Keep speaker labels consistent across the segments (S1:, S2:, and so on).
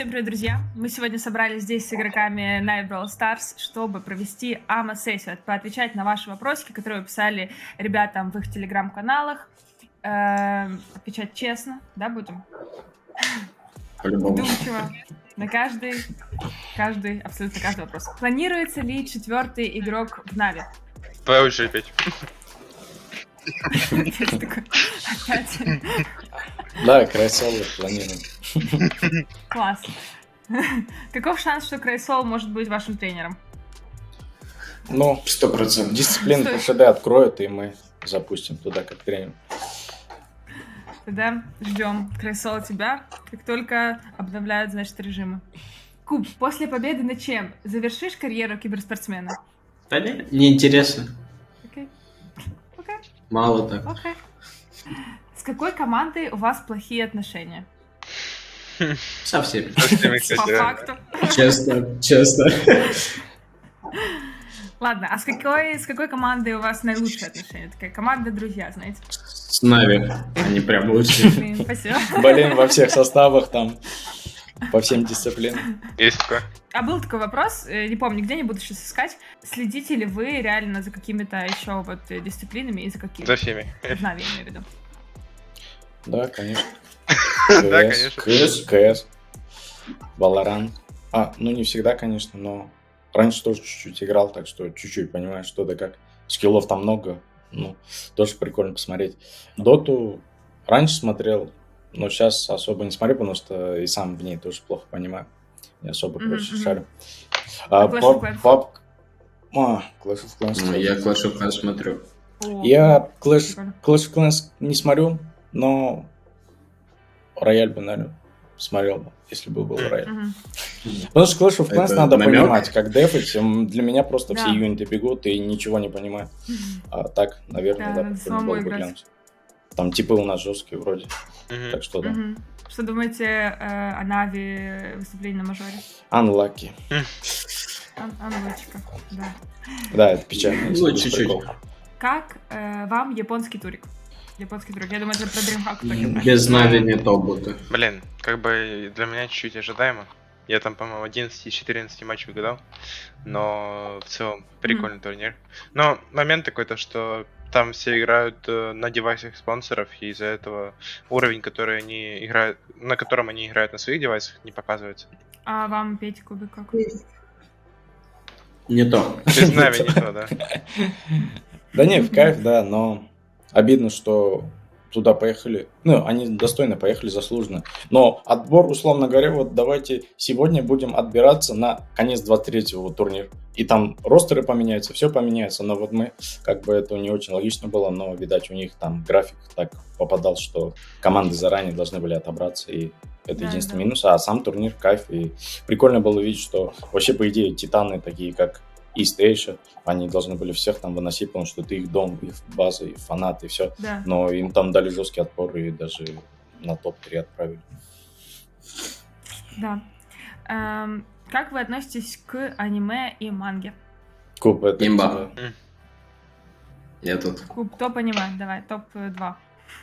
S1: Всем привет, друзья! Мы сегодня собрались здесь с игроками Na'Vi Brawl Stars, чтобы провести АМА-сессию, поотвечать на ваши вопросики, которые вы писали ребятам в их телеграм-каналах. Отвечать честно, да, будем?
S2: По-любому.
S1: Вдумчиво. На абсолютно каждый вопрос. Планируется ли 4-й игрок в Na'Vi?
S3: Твоя очередь, Петь.
S1: Опять.
S2: Да, Крайсол планируем.
S1: Класс. Каков шанс, что Крайсол может быть вашим тренером?
S2: Ну,
S4: 100%.
S2: дисциплину по ШД откроют, и мы запустим туда как тренер.
S1: Тогда ждем Крайсола тебя, как только обновляют, значит, режимы. Куб, после победы над чем? Завершишь карьеру киберспортсмена?
S4: Да нет, неинтересно.
S1: Окей.
S4: Мало так.
S1: Окей. С какой командой у вас плохие отношения?
S4: Со всеми.
S1: По факту.
S4: Честно.
S1: Ладно, а с какой командой у вас наилучшие отношения? Такая команда друзья, знаете?
S4: С Na'Vi. Они прям лучшие.
S1: Блин, спасибо.
S2: Болеем во всех составах там, по всем дисциплинам.
S3: Есть такое.
S1: А был такой вопрос, не помню, где, не буду сейчас искать. Следите ли вы реально за какими-то еще вот дисциплинами и за какими?
S3: За всеми.
S1: В Na'Vi, имею в виду.
S2: Да, конечно.
S3: Да, конечно.
S2: КС, Valorant. Ну не всегда, конечно, но раньше тоже чуть-чуть играл, так что чуть-чуть понимаю, что да как. Скиллов там много, ну, тоже прикольно посмотреть. Доту раньше смотрел, но сейчас особо не смотрю, потому что и сам в ней тоже плохо понимаю. Не особо, короче, шарю.
S1: Clash of Clans.
S2: Clash of Clans.
S4: Ну, я Clash of Clans смотрю.
S2: Я Clash
S1: Прикольно.
S2: of Clans не смотрю, но Рояль бы, наверное, смотрел бы, если бы был Рояль.
S1: Мгм.
S2: Потому что Clash of Clans
S4: Это
S2: надо
S4: намёк?
S2: понимать, как дефать. Для меня просто
S1: Да.
S2: все юниты бегут и ничего не понимаю. А так, наверное,
S1: Да,
S2: да,
S1: надо
S2: прикольно
S1: самому
S2: было бы
S1: играть.
S2: глянуть. Там типы у нас жесткие вроде,
S3: Мгм.
S2: так что да.
S1: Мгм. Что думаете о Na'Vi выступлении на мажоре?
S2: Unlucky.
S1: Анлочка, да.
S2: Да, это печально. если
S4: Ну,
S2: без
S4: чуть-чуть.
S2: приколов.
S1: Как вам японский турик? Японский турик. Я думаю, это про DreamHack только.
S4: Без Na'Vi не топ-бота.
S3: Блин, как бы для меня чуть-чуть ожидаемо. Я там, по-моему, 11-14 матчей угадал. Но в целом прикольный турнир. Но момент такой-то, что там все играют на девайсах спонсоров, и из-за этого уровень, который они играют, на котором они играют на своих девайсах, не показывается.
S1: А вам, Петя, Кубик, как?
S4: Не то.
S3: Без Na'Vi не то, да.
S2: Да не, в кайф, да, но обидно, что туда поехали. Ну, они достойно поехали, заслуженно. Но отбор, условно говоря, вот давайте сегодня будем отбираться на конец 23-го турнира. И там ростеры поменяются, все поменяется. Но вот мы, как бы это не очень логично было, но, видать, у них там график так попадал, что команды заранее должны были отобраться. И это
S1: Да,
S2: единственный
S1: да.
S2: минус. А сам турнир кайф. И прикольно было видеть, что вообще, по идее, титаны такие, как East Asia, они должны были всех там выносить, потому что ты их дом, их база, их фанаты, и все.
S1: Да.
S2: Но им там дали жесткий отпор и даже на топ-3 отправили.
S1: Да. Как вы относитесь к аниме и манге?
S2: Куб, это...
S4: Имба. Я тут.
S1: Куб, топ аниме, давай, топ-2.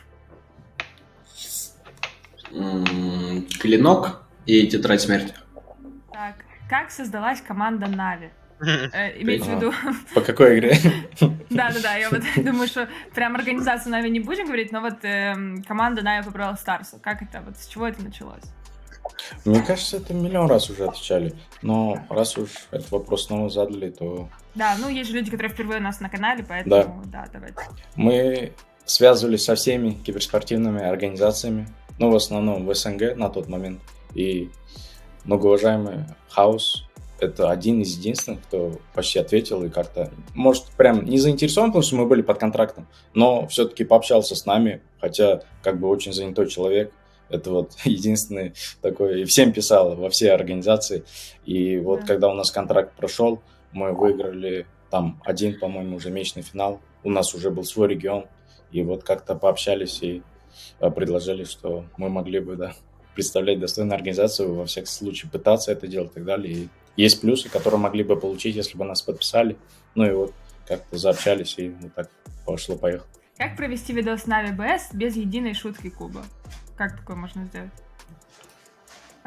S4: Клинок и Тетрадь смерти.
S1: Так, как создалась команда Na'Vi? Имеется в виду...
S2: По какой игре?
S1: Да-да-да, я вот думаю, что прям организацию Na'Vi не будем говорить, но вот команда Na'Vi по Brawl Stars, как это, вот с чего это началось?
S2: Мне кажется, это миллион раз уже отвечали. Но раз уж этот вопрос снова задали, то
S1: Да, ну есть же люди, которые впервые у нас на канале, поэтому да, давайте.
S2: мы связывались со всеми киберспортивными организациями, ну, в основном в СНГ на тот момент. И многоуважаемый Хаус — это один из единственных, кто почти ответил и как-то, может, прям не заинтересован, потому что мы были под контрактом, но все-таки пообщался с нами, хотя как бы очень занятой человек. Это вот единственный такой, и всем писал, во все организации. И вот
S1: Да.
S2: когда у нас контракт прошел, мы выиграли там один, по-моему, уже месячный финал. У нас уже был свой регион. И вот как-то пообщались и предложили, что мы могли бы, да, представлять достойную организацию, во всяком случае пытаться это делать и так далее. И есть плюсы, которые могли бы получить, если бы нас подписали. Ну и вот как-то заобщались, и вот так пошло-поехало.
S1: Как провести видос Na'Vi BS без единой шутки Куба? Как такое можно сделать?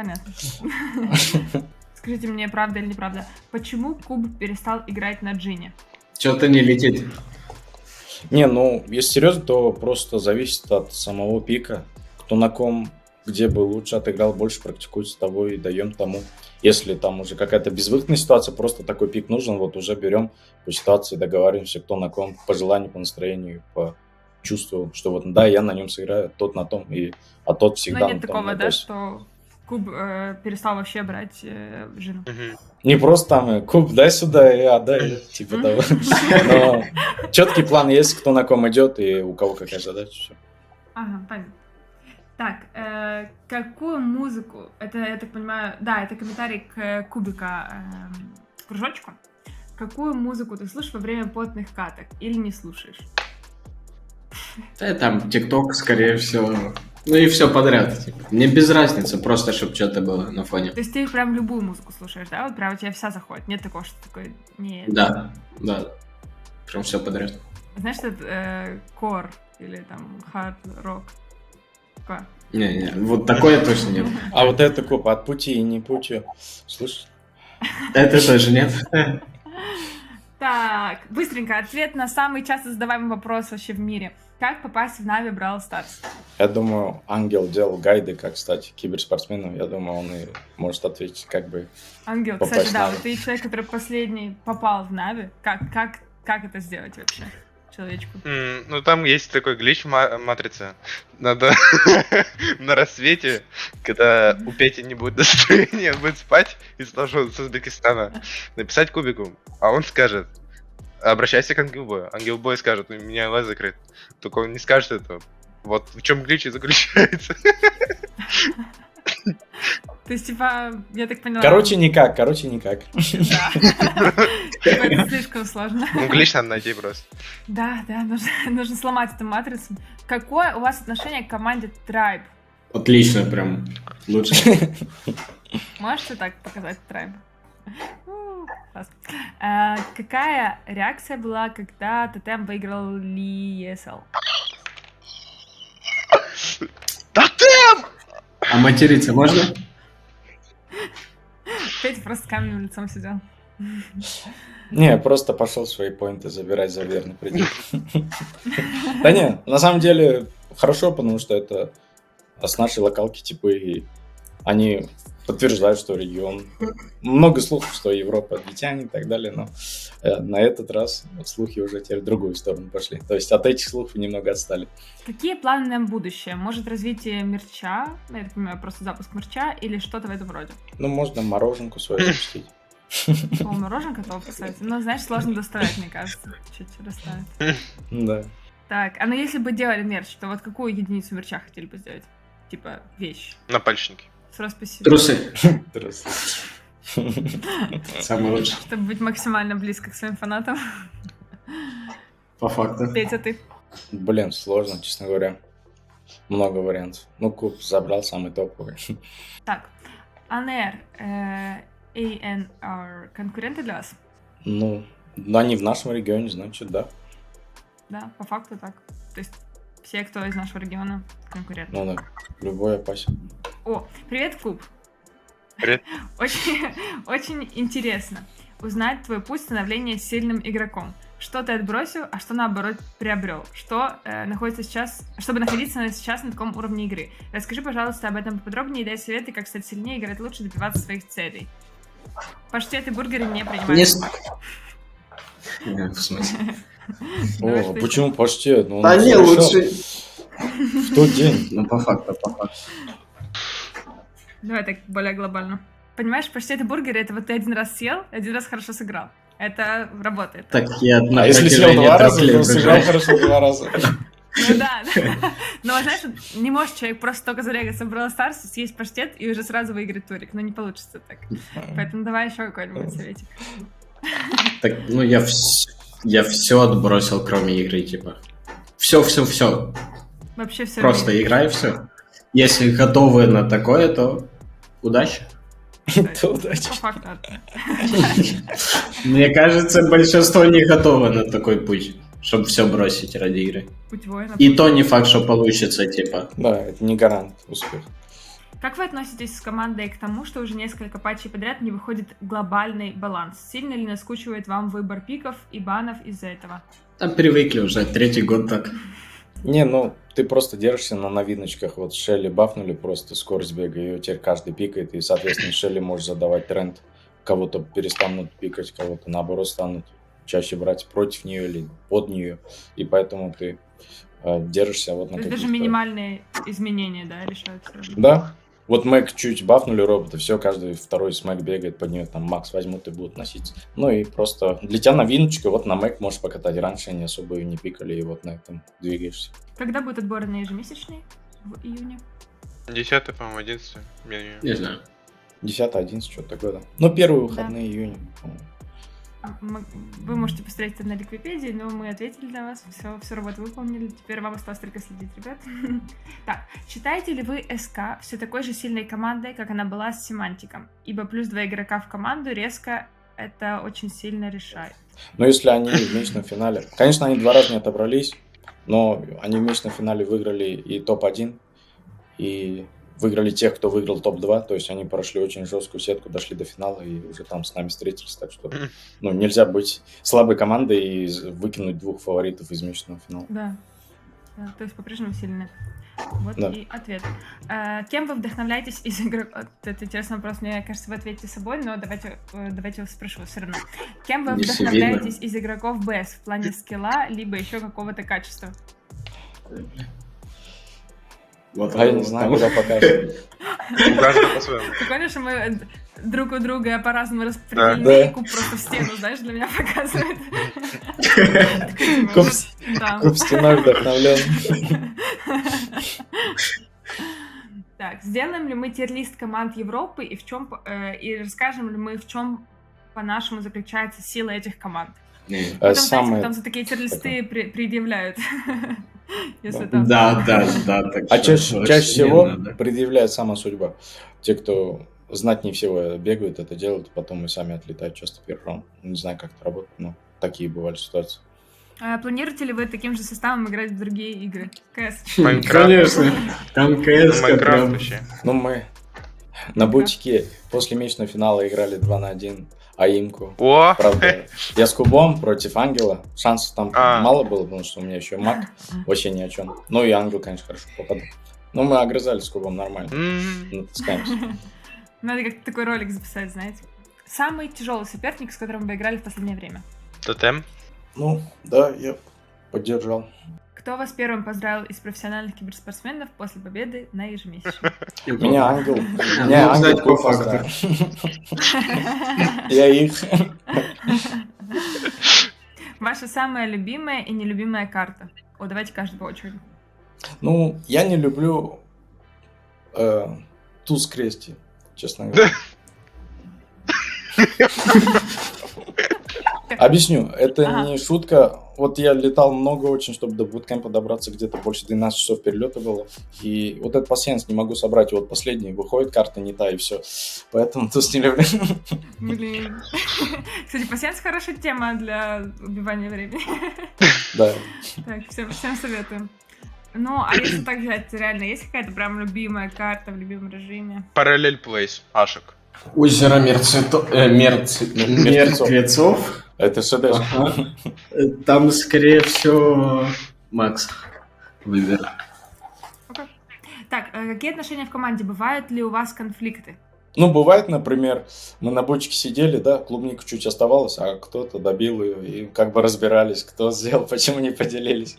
S1: понятно. Скажите мне, правда или неправда, почему Куб перестал играть на Джине?
S4: Что-то не летит.
S2: Не, ну, если серьезно, то просто зависит от самого пика. Кто на ком, где бы лучше отыграл, больше практикуется, того и даем тому. Если там уже какая-то безвыходная ситуация, просто такой пик нужен, вот уже берем по ситуации, договариваемся, кто на ком, по желанию, по настроению, по чувству, что вот, да, я на нем сыграю, тот на том, а тот всегда...
S1: Но нет
S2: там,
S1: такого,
S2: на
S1: да,
S2: тосе.
S1: что Куб перестал вообще брать Джину.
S3: Мгм.
S2: Не просто там, Куб, дай сюда, и отдай, типа того. Но четкий план есть, кто на ком идет и у кого какая задача. Все.
S1: Ага, понятно. Так, какую музыку, это, я так понимаю, да, это комментарий к кубика кружочку. Какую музыку ты слушаешь во время потных каток или не слушаешь?
S4: Да, там ТикТок, скорее всего. Ну и все подряд. Типа. Мне без разницы, просто чтобы что-то было на фоне.
S1: То есть ты прям любую музыку слушаешь, да? Вот прям у тебя вся заходит. Нет такого, что такое... Нет.
S4: Да. Прям все подряд.
S1: Знаешь, что это кор или там хард-рок? Такое.
S4: Не, вот такое точно нет.
S2: А вот это Куб, от пути и не пути. Слышишь?
S4: Это тоже нет.
S1: Так, быстренько, ответ на самый часто задаваемый вопрос вообще в мире. Как попасть в Нави Brawl Stars?
S2: Я думаю, Ангел делал гайды, как стать киберспортсменом. Я думаю, он и может ответить, как бы...
S1: Ангел,
S2: Попасть
S1: кстати,
S2: в
S1: да,
S2: Нави.
S1: вот ты человек, который последний попал в Нави. Как это сделать вообще человечку?
S3: Ну там есть такой глич в матрице. Надо на рассвете, когда у Пети не будет настроения, он будет спать и с Узбекистана, написать кубику, а он скажет: обращайся к Ангелбою. Ангелбой скажет: у меня лаз закрыт. Только он не скажет этого. Вот в чем глич и заключается.
S1: То есть, типа, я так поняла...
S2: Короче, никак.
S1: Да. Это слишком сложно.
S3: Ну, глич надо найти просто.
S1: Да, нужно сломать эту матрицу. Какое у вас отношение к команде Tribe?
S4: Отлично, прям лучше.
S1: Можете так показать Tribe? Класс. Какая реакция была, когда Тотем выиграл ESL?
S3: Тотем!
S4: А материться можно?
S1: Петя просто с каменным лицом сидел.
S2: Не, просто пошел свои поинты забирать за верный предел. Да не, на самом деле хорошо, потому что это с нашей локалки типы, и они подтверждают, что регион... Много слухов, что Европа дитяне и так далее, но на этот раз слухи уже теперь в другую сторону пошли. То есть от этих слухов немного отстали.
S1: Какие планы на будущее? Может, развитие мерча? Я так понимаю, просто запуск мерча или что-то в этом роде?
S2: Ну, можно мороженку свою запустить.
S1: О, мороженка топ, кстати. Но, знаешь, сложно доставать, мне кажется. Чуть-чуть доставить.
S2: Да.
S1: Так, а ну если бы делали мерч, то вот какую единицу мерча хотели бы сделать? Типа вещь.
S3: Напальчники.
S1: С росписью.
S4: Трусы.
S2: Здравствуйте.
S4: Самый лучший.
S1: Чтобы быть максимально близко к своим фанатам.
S4: По факту.
S1: Петя, ты.
S2: Блин, сложно, честно говоря. Много вариантов. Ну, Куб забрал самый топовый.
S1: Так, ANR, ANR конкуренты для вас?
S2: Ну, они в нашем регионе, значит, да.
S1: Да, по факту так. То есть все, кто из нашего региона, конкуренты.
S2: Ну да, любой опасен.
S1: О, привет, Куб.
S3: Привет.
S1: Очень интересно узнать твой путь становления сильным игроком. Что ты отбросил, а что наоборот приобрел? Что находится сейчас, чтобы находиться сейчас на таком уровне игры? Расскажи, пожалуйста, об этом поподробнее и дай советы, как стать сильнее, играть лучше, добиваться своих целей. Паштет и бургеры не принимают.
S4: Не, в смысле?
S1: Давай,
S2: О,
S1: что
S2: почему паштет? Ну, он
S4: Да не,
S2: совершал
S4: лучше.
S2: в тот день.
S4: Ну, по факту.
S1: Давай так более глобально. Понимаешь, паштет и бургеры — это вот ты один раз съел, один раз хорошо сыграл. Это работает.
S4: Так я на
S2: А если съел
S4: протяжении
S2: 2
S4: трех
S2: раза,
S4: лет
S2: то сыграл
S4: играю.
S2: хорошо 2 раза.
S1: Ну да. Но знаешь, не может человек просто только зарегаться в Brawl Stars, съесть паштет и уже сразу выиграть турик. Но не получится так. Поэтому давай еще какой-нибудь советик.
S4: Так, ну я все отбросил, кроме игры, типа. Все.
S1: Вообще все.
S4: Просто играй, все. Если готовы на такое, то удачи.
S2: То удачи.
S1: По факту.
S4: Мне кажется, большинство не готово на такой путь, чтобы все бросить ради игры.
S1: Путь воина.
S4: И то не факт, что получится, типа.
S2: Да, это не гарант успеха.
S1: Как вы относитесь с командой к тому, что уже несколько патчей подряд не выходит глобальный баланс? Сильно ли наскучивает вам выбор пиков и банов из-за этого?
S4: Там привыкли уже, 3-й год так.
S2: Не, ну, ты просто держишься на новиночках. Вот Шелли бафнули просто скорость бега, ее теперь каждый пикает, и, соответственно, Шелли может задавать тренд. Кого-то перестанут пикать, кого-то, наоборот, станут чаще брать против нее или под нее. И поэтому ты держишься вот на
S1: То есть даже
S2: каких-то...
S1: минимальные изменения, да, решаются?
S2: Да. Вот Мэг чуть бафнули робота, все, каждый второй с Мэг бегает под нее, там Макс возьмут и будут носиться. Ну и просто для тебя новиночка, вот на Мэг можешь покатать. Раньше они особо ее не пикали, и вот на этом двигаешься.
S1: Когда будет отбор на ежемесячный? В июне?
S3: 10, по-моему, 11.
S4: Не знаю.
S2: 10-11, что-то такое, да. Ну, первые выходные июня, по-моему.
S1: Вы можете посмотреть это на Ликвипедии, но мы ответили для вас, все работу выполнили, теперь вам осталось только следить, ребят. Так, считаете ли вы СК все такой же сильной командой, как она была с Семантиком? Ибо плюс 2 игрока в команду резко это очень сильно решает.
S2: Но если они в месячном финале... Конечно, они 2 раза не отобрались, но они в месячном финале выиграли и топ-1, и выиграли тех, кто выиграл топ-2, то есть они прошли очень жесткую сетку, дошли до финала и уже там с нами встретились, так что ну, нельзя быть слабой командой и выкинуть 2 фаворитов из месячного финала.
S1: Да, то есть по-прежнему сильны. Вот
S2: Да.
S1: и ответ. Кем вы вдохновляетесь из игроков? Это интересный вопрос, мне кажется, вы ответите собой, но давайте вас спрошу все равно. Кем вы
S4: Не все
S1: вдохновляетесь из игроков БС в плане скилла, либо еще какого-то качества?
S4: Вот
S2: А я не знаю, куда покажет.
S3: У каждого по-своему.
S1: Прикольно, что мы друг у друга по-разному распределены,
S2: Да.
S1: и куб просто в стену, знаешь, для меня показывает.
S2: Куб стеной вдохновлен.
S1: Так, сделаем ли мы тир-лист команд Европы и и расскажем ли мы, в чем, по-нашему, заключается сила этих команд? Потом, знаете, потом за такие тир-листы предъявляют. Если там...
S4: Да. Так
S2: А
S4: что
S2: чаще
S4: очень
S2: всего
S4: надо.
S2: предъявляет сама судьба. Те, кто знать не всего бегают, это делают, потом и сами отлетают часто первый раунд. Не знаю, как это работает, но такие бывали ситуации.
S1: Планируете ли вы таким же составом играть в другие игры? КС?
S3: Майнкрафт.
S4: Конечно. Там КС
S3: Майнкрафт
S4: прям...
S3: вообще.
S2: Ну, мы на бутике после месячного финала играли 2 на 1 АИМку.
S3: О!
S2: Правда, я с кубом против Ангела. Шансов там
S3: А.
S2: мало было, потому что у меня еще маг вообще ни о чем. Ну и Ангел, конечно, хорошо попадал. Но мы огрызались с кубом нормально. Натаскаемся.
S1: Надо как-то такой ролик записать, знаете. Самый тяжелый соперник, с которым вы играли в последнее время?
S3: Тотем.
S2: Ну, да, я поддержал.
S1: Кто вас первым поздравил из профессиональных киберспортсменов после победы на ежемесячном?
S2: Меня Ангел.
S4: Ну,
S2: Меня Ангел
S4: знаете, по
S2: куб
S4: факту.
S2: поздравил. Я их.
S1: Ваша самая любимая и нелюбимая карта? О, давайте каждый по очереди.
S2: Ну, я не люблю туз крести, честно говоря. Объясню, это
S1: Ага.
S2: не шутка. Вот я летал много очень, чтобы до буткемпа добраться, где-то больше 12 часов перелета было. И вот этот пассианс не могу собрать. И вот последний выходит, карта не та, и все. Поэтому туз не люблю.
S1: Блин. Кстати, пассианс хорошая тема для убивания времени.
S2: Да.
S1: Так, всем советуем. Ну, а если так взять, реально, есть какая-то прям любимая карта в любимом режиме?
S3: Параллель плейс. Ашек.
S4: Озеро мертвецов.
S2: Это ШД.
S4: Ага. Там, скорее всего, Макс выберет.
S1: Так, какие отношения в команде? Бывают ли у вас конфликты?
S2: Ну, бывает, например, мы на бочке сидели, да, клубника чуть оставалось, а кто-то добил ее, и как бы разбирались, кто сделал, почему не поделились.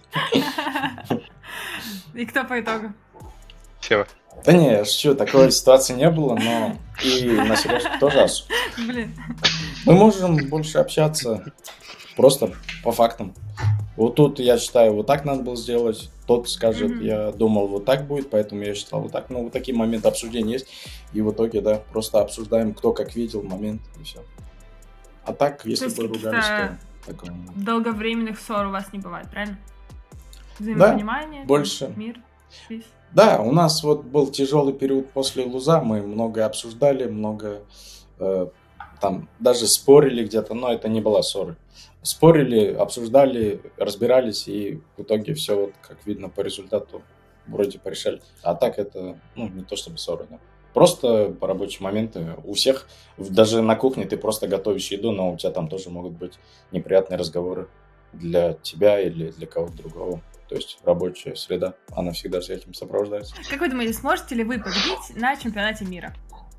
S1: И кто по итогу?
S3: Сева.
S2: Да не, я шучу, такой ситуации не было, но и на серьезно тоже
S1: Блин.
S2: мы можем больше общаться просто по фактам. Вот тут, я считаю, вот так надо было сделать. Тот скажет,
S1: Мгм.
S2: я думал, вот так будет, поэтому я считал вот так. Ну, вот такие моменты обсуждения есть. И в итоге, да, просто обсуждаем, кто как видел момент, и все. А так, если
S1: есть
S2: бы ругались,
S1: каких-то
S2: то такого нет.
S1: Долговременных ссор у вас не бывает, правильно? Взаимопонимание,
S2: больше.
S1: мир, жизнь.
S2: Да, у нас вот был тяжелый период после Луза, мы много обсуждали, много там даже спорили где-то, но это не была ссора. Спорили, обсуждали, разбирались, и в итоге все, вот, как видно по результату, вроде порешали. А так это, ну, не то чтобы ссоры, да. Просто по рабочие моменты. У всех, даже на кухне ты просто готовишь еду, но у тебя там тоже могут быть неприятные разговоры для тебя или для кого-то другого. То есть рабочая среда, она всегда с этим сопровождается.
S1: Как вы думаете, сможете ли вы победить на чемпионате мира?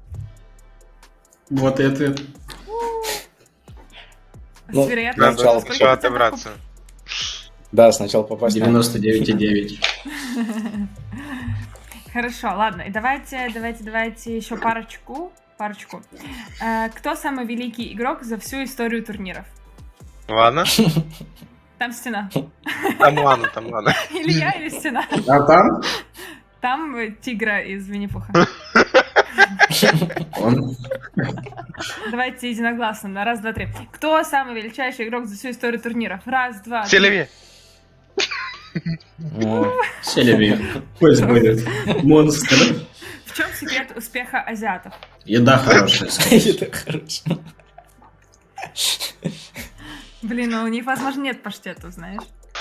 S4: Вот это.
S2: Ну,
S1: С вероятностью
S2: сначала
S1: сколько
S3: Сначала
S1: процентов
S3: отобраться.
S2: Да, сначала попасть на...
S4: 99,9.
S1: Хорошо, ладно. И давайте еще парочку. Кто самый великий игрок за всю историю турниров?
S3: Ладно.
S1: Там стена.
S3: Там ладно.
S1: Или я, или стена.
S4: А там?
S1: Там тигра из Винни-Пуха.
S4: Он.
S1: Давайте единогласно на раз, два, три. Кто самый величайший игрок за всю историю турниров? Раз, два, три.
S3: Селеви.
S4: Селеви. Пусть будет. Монстр.
S1: В чем секрет успеха азиатов?
S4: Еда хорошая.
S2: Это хорошо.
S1: Блин, ну у них, возможно, нет паштетов, знаешь.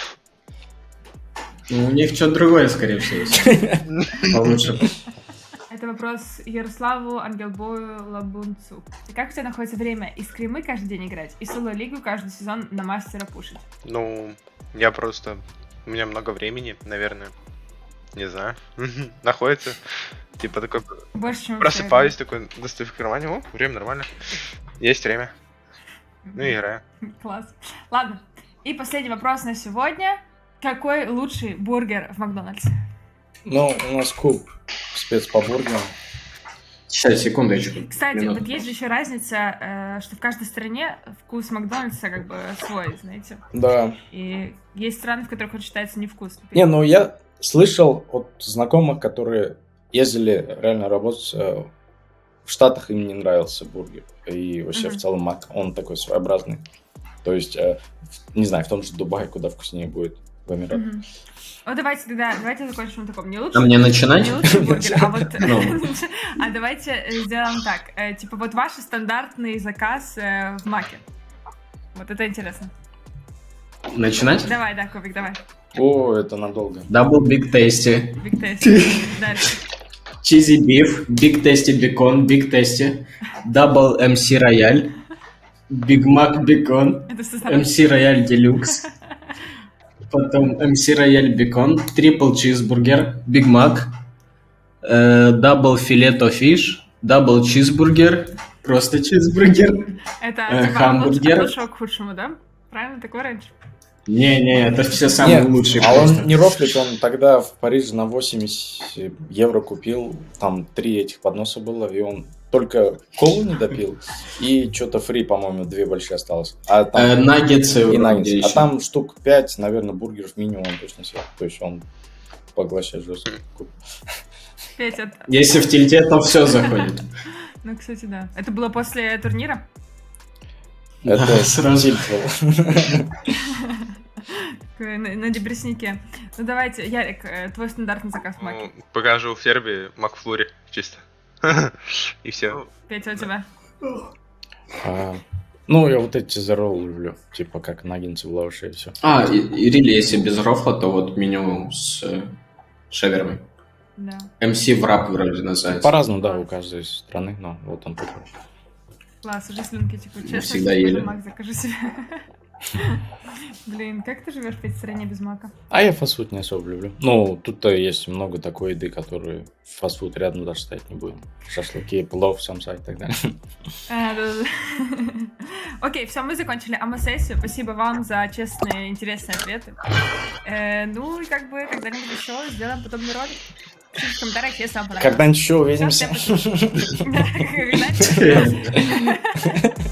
S4: Ну, у них что-то другое, скорее всего, есть. Получше.
S1: Это вопрос Ярославу Ангелбою Лабунцу. И как у тебя находится время и скримы каждый день играть, и соло-лигу каждый сезон на мастера пушить?
S3: Ну, я просто... У меня много времени, наверное. Не знаю. Находится. Типа такой...
S1: Больше, чем у
S3: Просыпаюсь, такой, достаю в кармане. О, время нормально. Есть время. Ну и играю.
S1: Класс. Ладно. И последний вопрос на сегодня. Какой лучший бургер в Макдональдсе?
S2: Ну, у нас куб спец по бургерам.
S4: Сейчас, секундочку.
S1: Кстати,
S4: Минуту.
S1: вот есть же еще разница, что в каждой стране вкус Макдональдса как бы свой, знаете.
S2: Да.
S1: И есть страны, в которых он считается невкусным.
S2: Не, ну я слышал от знакомых, которые ездили реально работать в Штатах, им не нравился бургер. И вообще в целом Мак, он такой своеобразный. То есть, не знаю, в том же Дубае, куда вкуснее будет в Эмиратах.
S1: Мгм. Вот давайте закончим на таком. Не
S4: А
S1: лучший,
S4: мне начинать?
S1: не лучший бургер, а вот...
S4: Ну.
S1: А давайте сделаем так. Типа вот ваш стандартный заказ в Маке. Вот это интересно.
S4: Начинать?
S1: Давай, да, Кубик, давай.
S2: О, это надолго.
S4: Double Big Tasty.
S1: Big Taste. Дальше.
S4: Cheesy Beef. Big Tasty Bacon. Big Tasty. Double MC Royale. Big Mac Bacon.
S1: Это все сразу.
S4: MC Royale Deluxe. Потом MC Royale Bacon. Triple Cheeseburger. Big Mac. Double Filet of Fish. Double Cheeseburger. Просто чизбургер.
S1: Это типа
S4: Хамбургер.
S1: от лучшего к худшему, да? Правильно, такой раньше?
S4: Не, это все самые
S2: Нет,
S4: лучшие
S2: а
S4: просто.
S2: он не рофлит, он тогда в Париже на 80 евро купил, там 3 этих подноса было, и он только колу не допил, и что-то фри, по-моему, 2 большие осталось. А там
S4: Наггетсы
S2: и
S4: вроде
S2: наггетсы. А
S4: еще.
S2: там штук 5, наверное, бургеров минимум он точно съел. То есть он поглощает жестко.
S1: Петя,
S4: Если в тильте, то все заходит.
S1: ну, кстати, да. Это было после турнира?
S2: Это
S4: Да, сразу.
S2: тильт был.
S1: Такой на депресснике. Ну, давайте, Ярик, твой стандартный заказ в Маке.
S3: Ну, покажу в Ферби Макфлури чисто. И все.
S1: Петя, у тебя?
S2: Ну, я вот эти зерол люблю, типа как наггетсы в лаваше и все.
S4: И рили, если без рофла, то вот меню с шавермой.
S1: Да.
S4: МС врап вроде называется.
S2: По-разному, да, у каждой страны, но вот он такой.
S1: Класс, уже слюнки текут. Честно,
S4: всегда
S1: сегодня
S4: ели.
S1: Мак закажу себе. Блин, как ты живешь в этой стране без мака?
S2: А я фастфуд не особо люблю. Ну, тут-то есть много такой еды, которые фастфуд рядом даже стоять не будем. Шашлыки, плов, самса и так далее.
S1: Да-да-да. Окей, все, мы закончили АМА-сессию. Спасибо вам за честные, интересные ответы. Ну и как бы когда-нибудь еще сделаем подобный ролик. Пишите в комментариях, если вам понравилось.
S2: Когда-нибудь еще увидимся.
S1: Всем спасибо. Когда-нибудь.